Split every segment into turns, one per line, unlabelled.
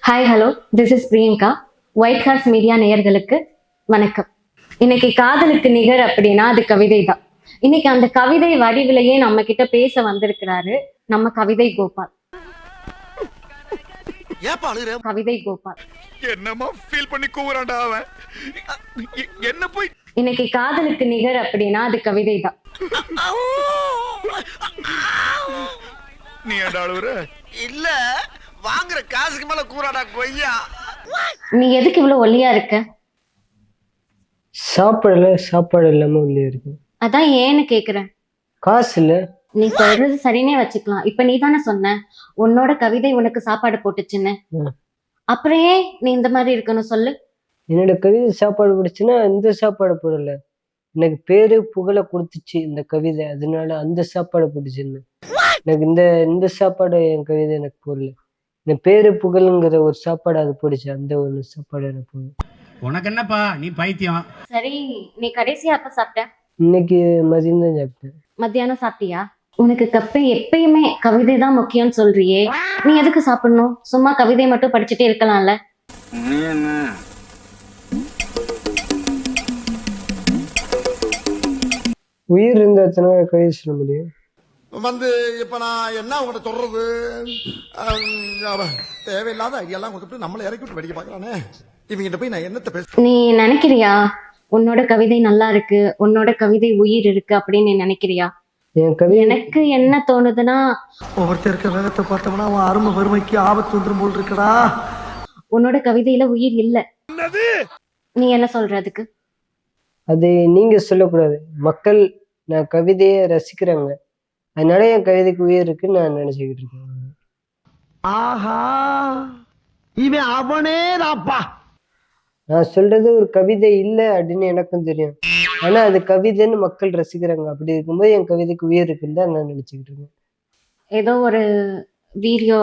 Hi hello, this is Priyanka. White horse media நேயர்களுக்கு வணக்கம். இன்னைக்கு காதலுக்கு நிகர் அப்படின்னா அது கவிதை தான். இன்னைக்கு அந்த கவிதை வடிவிலேயே நம்ம கிட்ட பேச வந்திருக்கிறாரு நம்ம கவிதை கோபால். கவிதை கோபால்
என்னமா ஃபீல் பண்ணி கூவுறான்டா அவன். என்ன போய்
இன்னைக்கு காதலுக்கு நிகர் அப்படின்னா அது கவிதை தான்.
நீ ஏன்டா அழுவுற?
இல்ல வாங்குற காசுக்கு மேல கூறாடா கொய்யா.
நீ எதுக்கு இவ்வளவு ஒல்லியா இருக்க?
சாப்பாடு இல்லாம உள்ளே இருக்கு.
அதான் ஏன்னு கேக்குறேன்.
காசு இல்ல.
நீ சொல்றது சரினே வச்சுக்கலாம். இப்ப நீ தானே சொன்ன உன்னோட கவிதை உனக்கு சாப்பாடு போட்டுச்சுன்னு. அப்புறம் ஏன் நீ இந்த மாதிரி இருக்கணும் சொல்லு.
என்னோட கவிதை சாப்பாடு பிடிச்சுன்னா இந்த சாப்பாடு போடல, எனக்கு பேரு புகழை கொடுத்துச்சு இந்த கவிதை, அதனால அந்த சாப்பாடு போட்டுச்சுன்னு. எனக்கு இந்த சாப்பாடு என் கவிதை எனக்கு போடல, இந்த பேரு புகழுங்கிற ஒரு சாப்பாடு அது போடுச்சு, அந்த ஒரு சாப்பாடு எனக்கு போடும்.
உனக்கு என்னப்பா நீ பைத்தியம்.
சரி, நீ கடைசியா அப்ப சாப்பிட்ட?
இன்னைக்கு மதியம் தான் சாப்பிட்டேன்.
மத்தியானம் சாப்பிட்டியா? உனக்கு எப்பயுமே கவிதை தான் முக்கியம்னு சொல்றியே, நீ எதுக்கு சாப்பிடணும்? சும்மா கவிதை மட்டும் படிச்சுட்டே இருக்கலாம்ல.
உயிர் இருந்தா கவிதை சொல்ல முடியும்.
இப்ப நான் என்ன உங்கள்கிட்ட சொல்றது, தேவையில்லாத ஐடியாலாம் கொடுத்துட்டு நம்மளை இறக்கி விட்டு வெடிக்க பாக்குறானே. இவங்கிட்ட போய் நான் என்னத்த பேச.
நீ நினைக்கிறியா உன்னோட கவிதை நல்லா இருக்கு, உன்னோட கவிதை உயிர் இருக்கு அப்படின்னு நீ நினைக்கிறியா?
என் கவிதை
எனக்கு என்ன தோணுதுன்னா,
ஒவ்வொருத்தருக்க வேகத்தை பார்த்தோம்னா அவன் அருமை வறுமைக்கு ஆபத்து வந்துடும் போல் இருக்கடா.
உன்னோட கவிதையில உயிர் இல்ல. நீ என்ன சொல்ற அதுக்கு?
அது நீங்க சொல்லக்கூடாது. மக்கள் நான் கவிதையை ரசிக்கிறாங்க, அதனால என் கவிதைக்கு உயிர் இருக்குன்னு நான் நினைச்சுக்கிட்டு இருக்கேன்.
ஆஹா, இவன் அவனே தான்ப்பா.
நான் சொல்றது ஒரு கவிதை இல்லை அப்படின்னு எனக்கும் தெரியும், ஆனா அது கவிதைன்னு மக்கள் ரசிக்கிறாங்க. அப்படி இருக்கும்போது என் கவிதைக்கு உயிர் இருக்குன்னு தான் நான் நினைச்சுக்கிட்டு இருக்கேன்.
ஏதோ ஒரு வீடியோ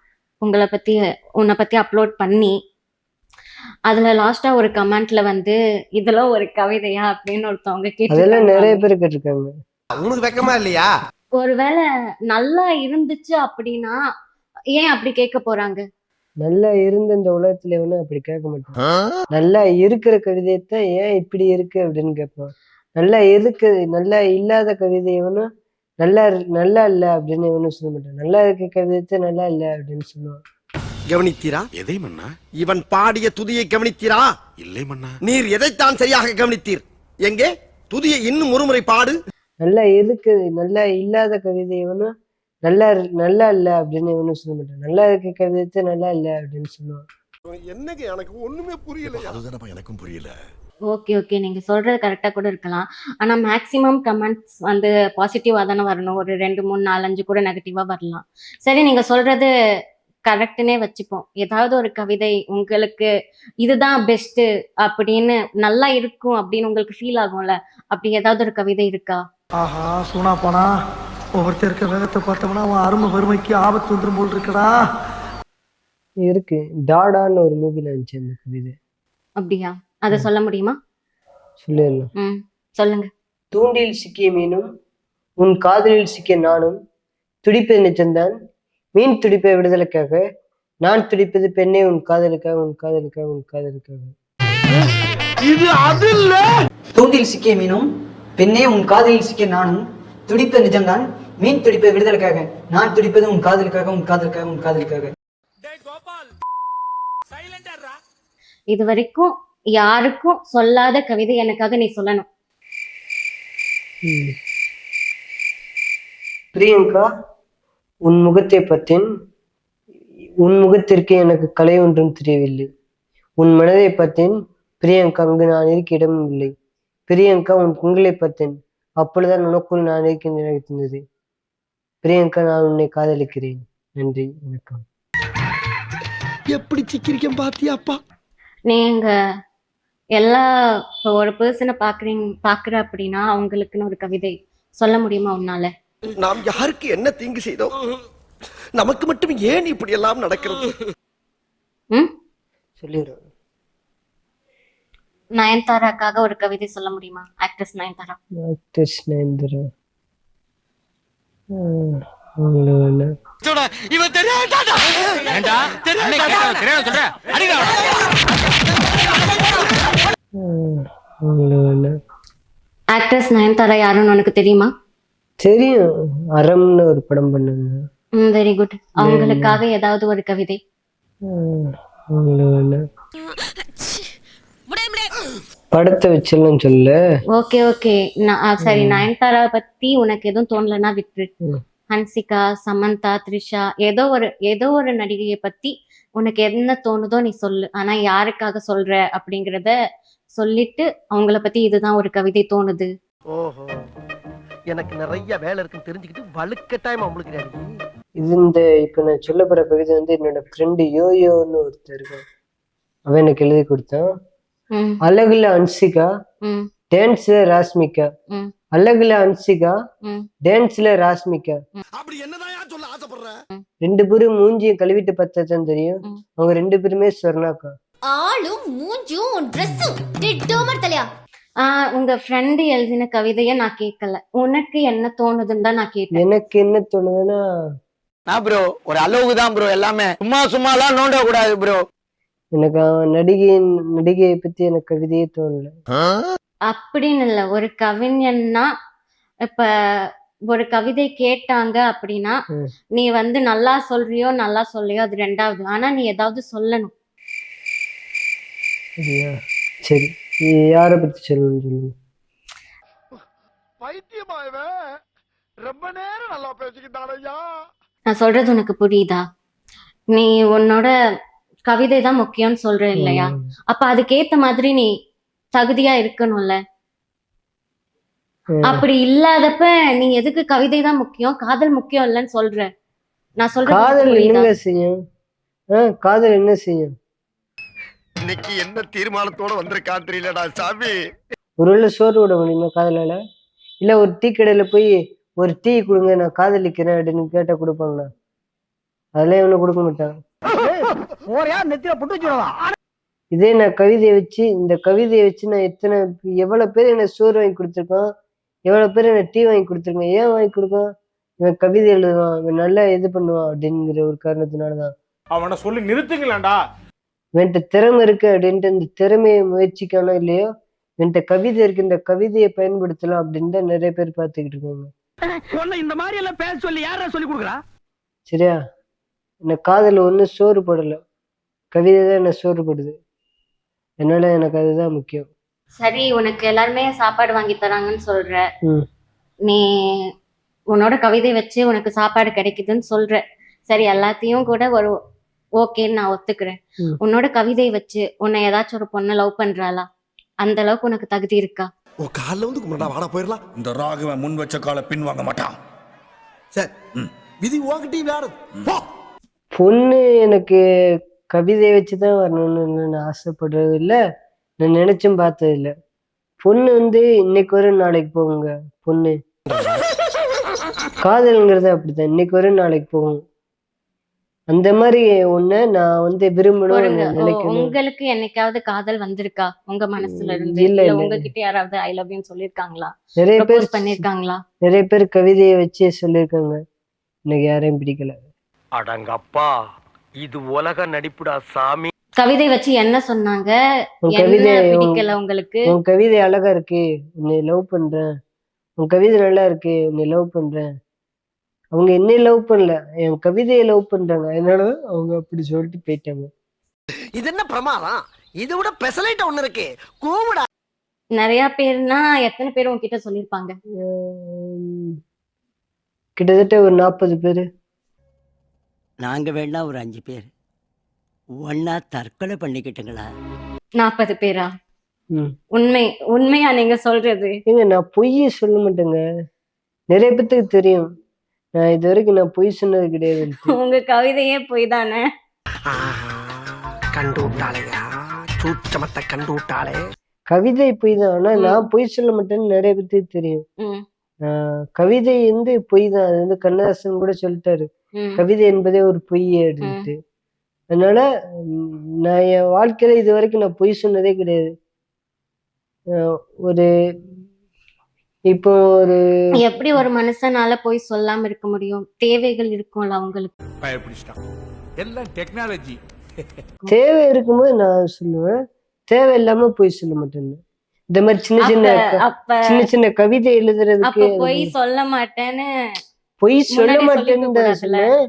உன்னை பத்தி அப்லோட் பண்ணி அதுல லாஸ்டா ஒரு கமெண்ட்ல வந்து இதெல்லாம் ஒரு கவிதையா அப்படின்னு ஒருத்தவங்க கேட்டு,
அதெல்லாம் நிறைய பேர் கேட்டிருக்காங்க.
உனக்கு வெக்கமா இல்லையா?
ஒருவேளை நல்லா இருந்துச்சு அப்படின்னா ஏன் அப்படி கேட்க போறாங்க?
நல்லா இருந்த இந்த உலகத்துல வேணா அப்படி கேட்க மாட்டான். நல்லா இருக்கிற கவிதையத்தான் ஏன் இப்படி இருக்கு அப்படின்னு கேட்பான். நல்லா நல்லா இல்லாத கவிதை வேணும் நல்லா இல்ல அப்படின்னு இவனும் சொல்ல மாட்டான். நல்லா இருக்க கவிதையத்தை நல்லா இல்ல அப்படின்னு சொல்லுவான்.
கவனித்தீரா?
எதை மன்னா?
இவன் பாடிய துதியை கவனித்தீரா?
இல்லை மன்னா.
நீர் எதைத்தான் சரியாக கவனித்தீர்? எங்கே துதியை இன்னும் ஒருமுறை பாடு.
நல்லா இல்லாத கவிதை வேணும் நல்லா இல்ல அப்படின்னு இவனும் சொல்ல மாட்டான். நல்லா இருக்க கவிதையத்தை நல்லா இல்ல அப்படின்னு சொல்லுவான்.
என்னங்க எனக்கு ஒண்ணுமே புரியல. அதுதானப்பா எனக்கும் புரியல.
ஓகே, நீங்க சொல்றது கரெக்டா கூட இருக்கலாம். ஆனா மேக்சிமம் கமெண்ட்ஸ் வந்து பாசிட்டிவா தானே வரணும். ஒரு 2 3 4 5 கூட நெகட்டிவா வரலாம். சரி, நீங்க சொல்றது கரெக்டுன்னே வச்சுப்போம். ஏதாவது ஒரு கவிதை உங்களுக்கு இதுதான் பெஸ்ட் அப்படின்னு நல்லா இருக்கும் அப்படின்னு உங்களுக்கு ஃபீல் ஆகும்ல, அப்படி ஏதாவது ஒரு கவிதை இருக்கா?
ஆஹா, சூனா போனா ஒவ்வொருத்தருக்க வேகத்தை பார்த்தோம்னா அவன் அருமை வறுமைக்கு ஆபத்து வந்துடும் போல் இருக்கடா.
இருக்கு, டாடான்னு ஒரு மூவில இருந்துச்சு அந்த கவிதை.
அப்படியா? அதை சொல்ல முடியுமா?
சொல்லிடலாம்.
சொல்லுங்க.
தூண்டில் சிக்கிய மீனும் உன் காதலில் சிக்கிய நானும் துடிப்பது நிஜம்தான், மீன் துடிப்பை விடுதலைக்காக, நான் துடிப்பது பெண்ணே உன் காதலுக்காக உன் காதலுக்காக உன் காதலுக்காக.
இது அது இல்ல.
தூண்டில் சிக்கிய மீனும் பெண்ணே உன் காதலில் சிக்கிய நானும் துடிப்பது நிஜம்தான், மீன் துடிப்பை விடுதலைக்காக, நான் துடிப்பது உன் காதலுக்காக உன் காதலுக்காக உன் காதலுக்காக.
இது வரைக்கும் யாருக்கும் சொல்லாத கவிதை எனக்காக நீ சொல்லணும்.
பிரியங்கா, உன் முகத்தை பார்த்தேன், உன் முகத்திற்கு எனக்கு கலை ஒன்றும் தெரியவில்லை. உன் மனதை பார்த்தேன் பிரியங்கா, அங்கு நான் இருக்க இடமும் இல்லை. பிரியங்கா, உன் குங்களை பார்த்தேன், அப்பொழுதுதான் உனக்குள் நான் இருக்கின்ற எனக்கு தெரிந்தது. பிரியங்கா, நான் உன்னை காதலிக்கிறேன். நன்றி, வணக்கம்.
எப்படி சிக்கிரிக்கம் பாத்தியாப்பா?
நீங்க எல்லா ஒரு பர்சனை பாக்குற அப்படின்னா அவங்களுக்குன்னு ஒரு கவிதை சொல்ல முடியுமா உன்னால?
நாம் யாருக்கு என்ன தீங்கு செய்தோம்? நமக்கு மட்டும் ஏன் இப்படி எல்லாம் நடக்கிறது?
சொல்லிடுறேன்.
நயன்தாராக்காக ஒரு கவிதை சொல்ல முடியுமா? ஆக்ட்ரஸ் நயன்தாரா.
அவங்கள வேணாம்.
இவன் தெரியாதா
அவங்கள வேணாம்.
ஆக்ட்ரஸ் நயன்தாரா யாருன்னு உனக்கு தெரியுமா?
தெரியும், அறம்னு ஒரு படம் பண்ணாங்க.
Very good. அவங்களுக்காக ஏதாவது ஒரு கவிதை.
அவங்கள வேணாம். படத்தை வச்செல்லாம் சொல்ல.
Okay okay. சரி, நயன்தாரா பத்தி உனக்கு எதுவும் தோணலன்னா விட்டுரு. ஹன்சிகா, சமந்தா, த்ரிஷா, ஏதோ ஒரு நடிகையை பத்தி உனக்கு என்ன தோணுதோ நீ சொல்லு. ஆனா யாருக்காக சொல்ற அப்படிங்கிறத சொல்லிட்டு அவங்கள பத்தி இதுதான் ஒரு கவிதை தோணுது.
ஓஹோ, எனக்கு நிறைய வேலை இருக்குன்னு தெரிஞ்சுக்கிட்டு வலுக்கட்டாயமா உங்களுக்கு
இது இந்த இப்ப நான் சொல்ல போற கவிதை வந்து என்னோட ஃப்ரெண்டு யோயோன்னு ஒருத்தர் இருக்கான், அவன் எனக்கு எழுதி கொடுத்தான்.
ம்,
அழகுல ஹன்சிகா,
ம்,
டான்ஸ்ல ராஷ்மிகா.
ம்,
அழகுல ஹன்சிகா,
ம்.
டான்ஸ்ல ராஷ்மிகா.
அப்படி என்னதான் சொல்ல ஆசைப்படுற?
ரெண்டு பேரும் மூஞ்சியை கழுவிட்டு பார்த்தா தான் தெரியும்,
ம்.
அவங்க ரெண்டு பேருமே ஸ்வர்ணாக்கா.
ஆளும் மூஞ்சும் ட்ரெஸ்ஸும் டிட்டோமர் தலையா.
உங்க ஃப்ரெண்டு எழுதின கவிதைய நான் கேட்கல. உனக்கு என்ன தோணுதுன்னு தான் நான் கேட்டேன்.
எனக்கு என்ன தோணுதுன்னா,
நான் ப்ரோ ஒரு அளவுக்கு தான் ப்ரோ, எல்லாமே சும்மாலாம் நோண்ட கூடாது ப்ரோ.
எனக்கு அவன் நடிகையை பத்தி எனக்கு கவிதையே தோணல.
அப்படின்னு இல்ல, ஒரு கவிஞன்னா இப்ப ஒரு கவிதை கேட்டாங்க அப்படின்னா
ம்.
நீ வந்து நல்லா சொல்றியோ நல்லா சொல்லியோ அது ரெண்டாவது. ஆனா நீ ஏதாவது சொல்லணும்.
சரியா? சரி, நீ யாரை பத்தி சொல்லணும்னு சொல்லுங்க.
பைத்தியமா இவன் ரொம்ப நேரம் நல்லா பேசிக்கிட்டானையா.
நான் சொல்றது உனக்கு புரியுதா? நீ உன்னோட கவிதை தான் முக்கியம்னு சொல்ற இல்லையா? அப்ப அதுக்கேத்த மாதிரி நீ தகுதியா இருக்கணும்ல.
ம்.
அப்படி இல்லாதப்ப நீ எதுக்கு கவிதை தான் முக்கியம், காதல் முக்கியம் இல்லைன்னு சொல்ற? நான் சொல்றது உனக்கு
காதல்
புரியுதா?
என்னங்க செய்யும்? காதல் என்ன செய்யும்?
இன்னைக்கு என்ன தீர்மானத்தோட வந்திருக்கான் தெரியலடா சாமி.
ஒருவேளை சோறு விட முடியுமா காதலால? இல்ல ஒரு டீ கடையில போய் ஒரு டீ கொடுங்க நான் காதலிக்கிறேன் அப்படின்னு கேட்டா கொடுப்பாங்களா? அதெல்லாம் இவனு கொடுக்க மாட்டான்.
நெத்தியில புட்டு வச்சுடவா?
இதே நான் இந்த கவிதையை வச்சு நான் எவ்வளவு பேர் என்ன சோறு வாங்கி கொடுத்துருக்கான், எவ்வளவு பேர் என்ன டீ வாங்கி கொடுத்துருக்கான். ஏன் வாங்கி கொடுக்கான்? இவன் கவிதை எழுதுவான், இவன் நல்லா இது பண்ணுவான் அப்படிங்கிற ஒரு காரணத்தினாலதான்.
அவனை சொல்லி நிறுத்துங்களேன்டா.
இவன்கிட்ட திறமை இருக்கு அப்படின்ட்டு இந்த திறமையை முயற்சிக்கானோ இல்லையோ, என்கிட்ட கவிதை இருக்கு, இந்த கவிதையை பயன்படுத்தலாம் அப்படின்னு தான் நிறைய பேர் பார்த்துக்கிட்டு இருக்காங்க.
இந்த மாதிரி எல்லாம் பேச சொல்லி யாரா சொல்லி கொடுக்குறா?
சரியா? என்ன காதல் ஒண்ணு சோறு போடல, கவிதை தான் என்ன சோறு போடுது. அதனால எனக்கு அதுதான் முக்கியம்.
சரி, உனக்கு எல்லாருமே சாப்பாடு வாங்கி தராங்கன்னு சொல்ற.
ம்.
நீ உன்னோட கவிதை வச்சு உனக்கு சாப்பாடு கிடைக்குதுன்னு சொல்ற. சரி, எல்லாத்தையும் கூட ஒரு ஓகேன்னு நான் ஒத்துக்கிறேன்.
ம்.
உன்னோட கவிதை வச்சு உன்னை ஏதாச்சும் ஒரு பொண்ணு லவ் பண்றாளா? அந்த அளவுக்கு உனக்கு தகுதி இருக்கா?
ஓ கால்ல வந்து கும்பிடா வாடா போயிடலாம். இந்த ராகவன் முன் வச்ச கால பின் வாங்க மாட்டான். சரி, விதி உங்ககிட்டயும் வேற போ.
பொண்ணு எனக்கு கவிதை வச்சுதான் வரணும்னு நான் ஆசைப்படுறது இல்ல, நான் நினைச்சும் பார்த்தது இல்ல. பொண்ணு வந்து இன்னைக்கு வரும் நாளைக்கு போகுங்க. பொண்ணு காதல்ங்கிறது அப்படித்தான், இன்னைக்கு வரும் நாளைக்கு போகும். அந்த மாதிரி ஒண்ணு நான் வந்து விரும்பணும் நினைக்கணும்.
உங்களுக்கு என்னைக்காவது காதல் வந்திருக்கா உங்க மனசுல இருந்து?
இல்ல,
இல்ல
இல்ல.
உங்ககிட்ட யாராவது ஐ லவ் யூ சொல்லிருக்காங்களா?
நிறைய பேர்
ப்ரப்போஸ் பண்ணிருக்காங்களா?
நிறைய பேர் கவிதையை வச்சே சொல்லியிருக்காங்க, எனக்கு யாரையும் பிடிக்கல.
அடங்கப்பா, இது உலக நடிப்புடா சாமி.
கவிதை வச்சு என்ன சொன்னாங்க?
உன்
என்ன
கவிதை
பிடிக்கல உங்களுக்கு?
உன் கவிதை அழகா இருக்கு, உன்னை லவ் பண்றேன். உன் கவிதை நல்லா இருக்கு, உன்னை லவ் பண்றேன். அவங்க என்னை லவ் பண்ணல, என் கவிதையை லவ் பண்றாங்க. அதனால அவங்க அப்படி சொல்லிட்டு போயிட்டாங்க.
இது என்ன பிரமாதம்? இது விட பெசலைட் ஒண்ணு இருக்கு, கூவுடா.
நிறைய பேர்னா எத்தனை பேர் உன்கிட்ட சொல்லிருப்பாங்க?
கிட்டத்தட்ட ஒரு 40 பேரு.
நாங்க வேணா ஒரு 5 பேர் ஒன்னா தற்கொலை பண்ணிக்கிட்டுங்களா?
40 பேரா?
ம்.
உண்மையா நீங்க சொல்றது?
ஏங்க நான் பொய்யே சொல்ல மாட்டேங்க, நிறைய பேத்துக்கு தெரியும் நான் இது வரைக்கும் நான் பொய் சொன்னது கிடையாது.
உங்க கவிதையே பொய் தானே?
கண்டு விட்டாளையா, சூச்சமத்தை கண்டு விட்டாளே.
கவிதை பொய் தான், ஆனா நான் பொய் சொல்ல மாட்டேன்னு நிறைய பேத்துக்கு தெரியும்.
ம்,
கவிதை வந்து பொய் தான், அது வந்து கண்ணதாசன் கூட சொல்லிட்டாரு,
ம்,
கவிதை என்பதே ஒரு பொய் அப்படின்ட்டு. அதனால நான் என் வாழ்க்கையில இது வரைக்கும் நான் பொய் சொன்னதே கிடையாது. ஒரு இப்போ ஒரு
எப்படி ஒரு மனுஷனால போய் சொல்லாம இருக்க முடியும்? தேவைகள் இருக்கும்ல அவங்களுக்கு.
பயப்பிடிச்சிட்டான் எல்லாம் டெக்னாலஜி.
தேவை இருக்கும்போது நான் சொல்லுவேன், தேவை இல்லாம போய் சொல்ல மாட்டேன். இந்த மாதிரி
அப்ப
சின்ன சின்ன கவிதை எழுதுறதுக்கு
அப்ப போய் சொல்ல மாட்டேன்னு
பொய் சொல்ல
முன்னாடியே
மாட்டேன்னு
சொல்லிக்க
தான் சொன்னேன்.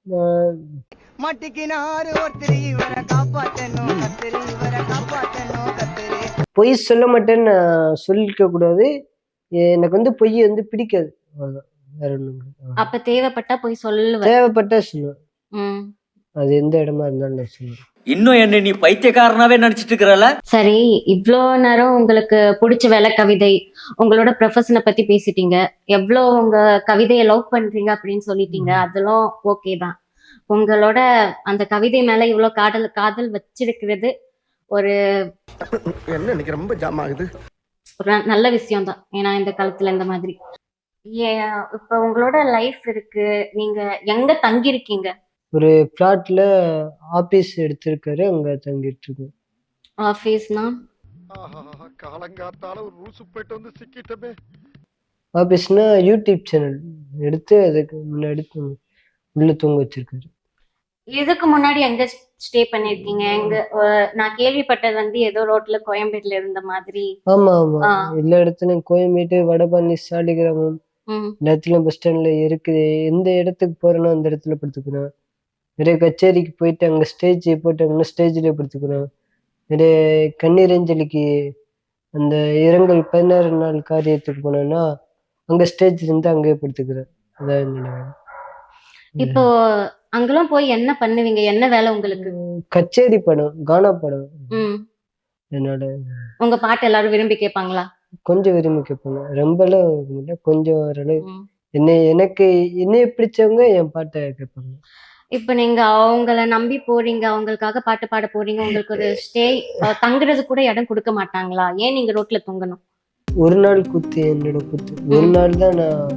பொய் சொல்ல மாட்டேன்னு நான் சொல்லிக்க கூடாது. எனக்கு வந்து பொய் வந்து பிடிக்காது. அவ்வளவுதான், வேற ஒண்ணும் இல்லை.
அப்ப தேவைப்பட்டா போய் சொல்லுவேன்.
தேவைப்பட்டா சொல்லுவேன்.
ம்.
அது எந்த இடமா இருந்தாலும் நான் சொல்லுவேன்.
இன்னும் என்ன நீ பைத்தியக்காரனாவே நடிச்சிட்டு இருக்கிறல?
சரி, இவ்வளோ நேரம் உங்களுக்கு பிடிச்ச வேலை கவிதை, உங்களோட ப்ரொஃபஷனை பத்தி பேசிட்டீங்க, எவ்வளோ உங்க கவிதையை லவ் பண்றீங்க அப்படின்னு சொல்லிட்டீங்க, அதெல்லாம் ஓகே தான். உங்களோட அந்த கவிதை மேல இவ்வளோ காதல் வச்சிருக்கிறது ஒரு
என்ன இன்னைக்கு ரொம்ப ஜாம் ஆகுது.
ஒரு நல்ல விஷயம் தான். ஏன்னா இந்த காலத்துல இந்த மாதிரி இப்ப உங்களோட லைஃப் இருக்கு, நீங்க எங்க தங்கி இருக்கீங்க?
ஒரு பிளாட்ல ஆபீஸ் எடுத்திருக்காரு, அங்க தங்கிட்டு இருக்கோம்.
ஆபீஸ்னா
காலங்காத்தால ஒரு ரூசு போயிட்டு வந்து சிக்கிட்டமே.
ஆபீஸ்னா யூடியூப் சேனல் எடுத்து அதுக்கு முன்னாடி உள்ள தூங்க வச்சிருக்காரு.
இதுக்கு முன்னாடி எங்க ஸ்டே பண்ணிருக்கீங்க? எங்க நான் கேள்விப்பட்டது வந்து ஏதோ ரோட்ல கோயம்பேடுல இருந்த மாதிரி.
ஆமா ஆமா, எல்லா இடத்துலயும் கோயம்பேடு, வடபழனி, சாலிகிராமம் எல்லாத்துலயும் பஸ் ஸ்டாண்ட்ல இருக்குது. எந்த இடத்துக்கு போறேனோ அந்த இடத்துல படுத்துக்கிறேன். நிறைய கச்சேரிக்கு போயிட்டு அங்க ஸ்டேஜ் போட்டாங்கன்னா ஸ்டேஜ்ல படுத்துக்கிறேன். நிறைய கண்ணீரஞ்சலிக்கு அந்த இரங்கல் 16 நாள் காரியத்துக்கு போனேன்னா அங்க ஸ்டேஜ் இருந்து அங்கேயே படுத்துக்கிறேன். அதான் என்னோட வேலை.
இப்போ அங்கெல்லாம் போய் என்ன பண்ணுவீங்க? என்ன வேலை உங்களுக்கு?
கச்சேரி படம், கானா படம் என்னோட.
உங்க பாட்டு எல்லாரும் விரும்பி கேட்பாங்களா?
கொஞ்சம் விரும்பி கேட்பாங்க, ரொம்பலாம் இல்லை, கொஞ்சம் ஓரளவு. என்னைய பிடிச்சவங்க என் பாட்டை கேட்பாங்க.
இப்ப நீங்க அவங்கள நம்பி போறீங்க, அவங்களுக்காக பாட்டு பாட போறீங்க, உங்களுக்கு ஒரு தங்குறது கூட இடம் கொடுக்க மாட்டாங்களா? ஏன் நீங்க ரோட்ல தூங்கணும்?
ஒரு நாள் குத்து என்னோட குத்து. ஒரு நாள் தான் நான்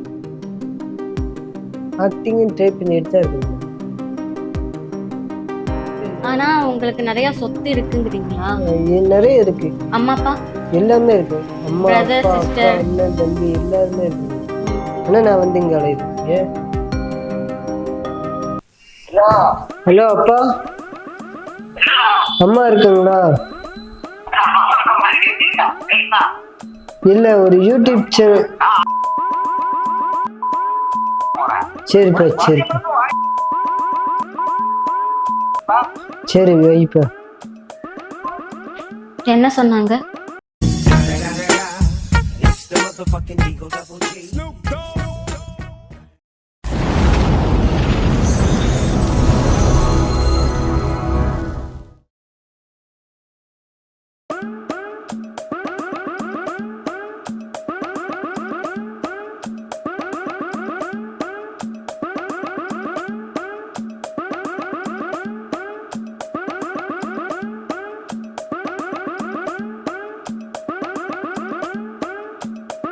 ஆக்டிங் ட்ரை பண்ணிட்டு தான் இருக்கேன்.
ஆனா உங்களுக்கு நிறைய சொத்து இருக்குங்கிறீங்களா?
நிறைய இருக்கு.
அம்மா அப்பா
எல்லாமே இருக்கு. அம்மா
Brother,
அப்பா
sister.
அக்கா அண்ணன் தம்பி எல்லாருமே இருக்கு. ஆனா நான் வந்து இங்க அலையிறேன். ஹலோ அப்பா, அம்மா இருக்காங்களா? இல்ல, ஒரு யூடியூப் சேனல். சரிப்பா சரிப்பா, சரி வைப்பா.
என்ன சொன்னாங்க?